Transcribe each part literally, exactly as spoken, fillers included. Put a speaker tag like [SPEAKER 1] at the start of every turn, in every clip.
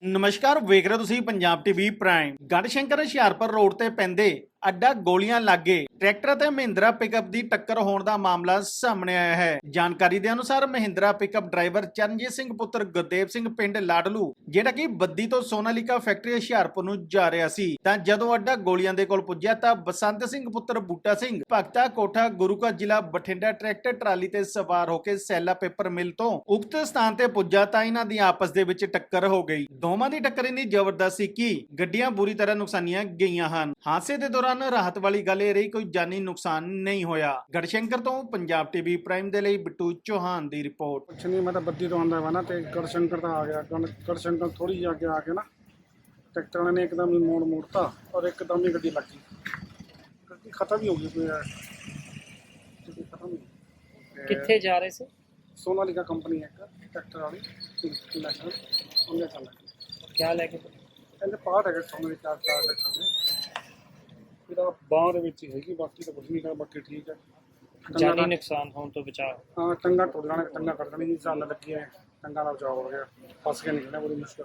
[SPEAKER 1] ਨਮਸਕਾਰ, ਵੇਖ ਰਹੇ ਤੁਸੀਂ Punjab TV prime. Garhshankar Hoshiarpur road ਤੇ ਪੈਂਦੇ ਅੱਡਾ ਗੋਲੀਆਂ ਲਾਗੇ ਟਰੈਕਟਰ ਤੇ ਮਹਿੰਦਰਾ ਪਿਕਅਪ ਦੀ ਟੱਕਰ ਹੋਣ ਦਾ ਮਾਮਲਾ ਸਾਹਮਣੇ ਆਇਆ ਹੈ। ਜਾਣਕਾਰੀ ਦੇ ਅਨੁਸਾਰ ਮਹਿੰਦਰਾ ਪਿਕਅਪ ਡਰਾਈਵਰ ਚਰਨਜੀਤ ਸਿੰਘ ਪੁੱਤਰ ਗੁਰਦੇਵ ਸਿੰਘ ਪਿੰਡ ਲਾਡਲੂ, ਜਿਹੜਾ ਕਿ ਬੱਦੀ ਤੋਂ ਸੋਨਾਲੀਕਾ ਫੈਕਟਰੀ ਹੁਸ਼ਿਆਰਪੁਰ ਨੂੰ ਜਾ ਰਿਹਾ ਸੀ, ਤਾਂ ਜਦੋਂ ਅੱਡਾ ਗੋਲੀਆਂ ਦੇ ਕੋਲ ਪੁੱਜਿਆ ਤਾਂ ਬਸੰਤ ਸਿੰਘ ਪੁੱਤਰ ਬੂਟਾ ਸਿੰਘ ਭਗਤਾ ਕੋਠਾ ਗੁਰੂਕਾ ਜ਼ਿਲ੍ਹਾ ਬਠਿੰਡਾ ਟਰੈਕਟਰ ਟਰਾਲੀ ਤੇ ਸਵਾਰ ਹੋ ਕੇ ਸੈਲਾ ਪੇਪਰ ਮਿਲ ਤੋਂ ਉਕਤ ਸਥਾਨ ਤੇ ਪੁੱਜਾ ਤਾਂ ਇਹਨਾਂ ਦੀ ਆਪਸ ਦੇ ਵਿੱਚ ਟੱਕਰ ਹੋ ਗਈ। ਦੋਵਾਂ ਦੀ ਟੱਕਰ ਇੰਨੀ ਜ਼ਬਰਦਸਤ ਸੀ ਕਿ ਗੱਡੀਆਂ ਬੁਰੀ ਤਰ੍ਹਾਂ ਨੁਕਸਾਨੀਆਂ ਗਈਆਂ ਹਨ। ਹਾਦਸੇ ਦੇ ਦੌਰਾਨ ਰਾਹਤ ਵਾਲੀ ਗੱਲ ਇਹ ਰਹੀ ਕੋਈ ਜਾਨੀ ਨੁਕਸਾਨ ਨਹੀਂ ਹੋਇਆ। ਗੜਸ਼ੰਕਰ ਤੋਂ ਪੰਜਾਬ ਟੀਵੀ ਪ੍ਰਾਈਮ ਦੇ ਲਈ ਬਿੱਟੂ ਚੌਹਾਨ ਦੀ ਰਿਪੋर्ट।
[SPEAKER 2] कुछ नहीं, मैं तो बद्दी तो आंदा वा ना ते गढ़शंकर तो आ गया। गढ़शंकर थोड़ी जी आगे आके ना ट्रैक्टर ने एकदम ही मोड़ मोड़ता और एकदम ही गड्डी लग गई, गड्डी खत्म ही हो गई। कोई गड्डी खत्म ही
[SPEAKER 3] कित्थे जा रहे से?
[SPEAKER 2] सोनालिका कंपनी है एक ट्रैक्टर वाली नेशनल, उन्हें चल लगी।
[SPEAKER 3] क्या लेके?
[SPEAKER 2] कहते पार्ट है सोनालिका चार ट्रैक्टर में फिर बाहर ਵਿੱਚ ਹੀ ਹੈਗੀ, ਬਾਕੀ ਤਾਂ ਕੁਝ ਨਹੀਂ ਕਰ, ਬਾਕੀ ਠੀਕ ਹੈ।
[SPEAKER 3] जानी नुकसान होने तो बचाव।
[SPEAKER 2] हाँ, टंगा टुट जाने, टंगा कट जाने की साल लगी है, टंगा का बचाव हो गया, फस के निकलना बड़ी मुश्किल।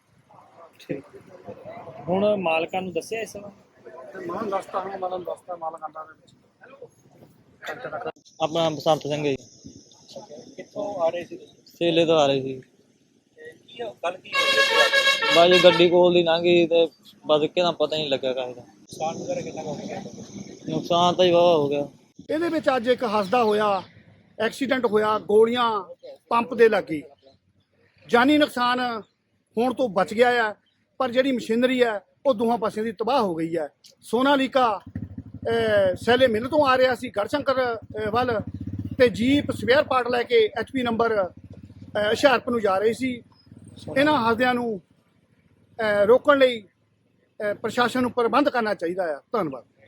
[SPEAKER 3] ठीक हुण मालकां नूं दस्सिया इस
[SPEAKER 2] ਤੇ ਮਾਨ ਦੱਸਦਾ ਹਾਂ, ਮਾਨ ਦੱਸਦਾ ਮਾਲਕ ਆਂਦਾ ਦੇ ਵਿੱਚ
[SPEAKER 4] ਆਪਣਾ ਬਸੰਤ ਸਿੰਘ ਜੀ।
[SPEAKER 3] कित्थों आ रहे थे?
[SPEAKER 4] ਸੇਲੇ ਤੋਂ ਆ ਰਹੇ ਸੀ।
[SPEAKER 3] की गल की होई?
[SPEAKER 4] ਬਾਜੀ ਗੱਡੀ ਕੋਲ ਦੀ ਲੰਘ ਗਈ ਤੇ ਬਸ ਇੱਕਦਮ ਪਤਾ ਹੀ ਨਹੀਂ ਲੱਗਾ ਕਾਹਦਾ
[SPEAKER 3] नुकसान वगैरह कितना हो गया?
[SPEAKER 4] ਨੁਕਸਾਨ ਤਾਂ ਹੀ ਵਾਹਵਾ ਹੋ ਗਿਆ।
[SPEAKER 2] ਇਹਦੇ ਵਿੱਚ ਅੱਜ ਇੱਕ ਹੱਸਦਾ ਹੋਇਆ ਐਕਸੀਡੈਂਟ ਹੋਇਆ, ਗੋਲੀਆਂ ਪੰਪ ਦੇ ਲੱਗੀ। ਜਾਨੀ ਨੁਕਸਾਨ ਹੋਣ ਤੋਂ ਬਚ ਗਿਆ ਹੈ, ਪਰ ਜਿਹੜੀ ਮਸ਼ੀਨਰੀ ਹੈ ਉਹ ਦੋਹਾਂ ਪਾਸਿਆਂ ਦੀ ਤਬਾਹ ਹੋ ਗਈ ਹੈ। ਸੋਨਾਲੀਕਾ ਸੈਲੇ ਮਿਲ ਤੋਂ ਆ ਰਿਹਾ ਸੀ ਗੜਸ਼ੰਕਰ ਅਹ, ਵੱਲ, ਤੇ ਜੀਪ ਸਪੇਅਰ ਪਾਰਟ ਲੈ ਕੇ ਐਚ ਪੀ ਨੰਬਰ ਹੁਸ਼ਿਆਰਪੁਰ ਨੂੰ ਜਾ ਰਹੀ ਸੀ। ਇਹਨਾਂ ਹਾਦਸਿਆਂ ਨੂੰ ਅਹ, ਰੋਕਣ ਲਈ ਅਹ, ਪ੍ਰਸ਼ਾਸਨ ਨੂੰ ਪ੍ਰਬੰਧ ਕਰਨਾ ਚਾਹੀਦਾ ਹੈ। ਧੰਨਵਾਦ।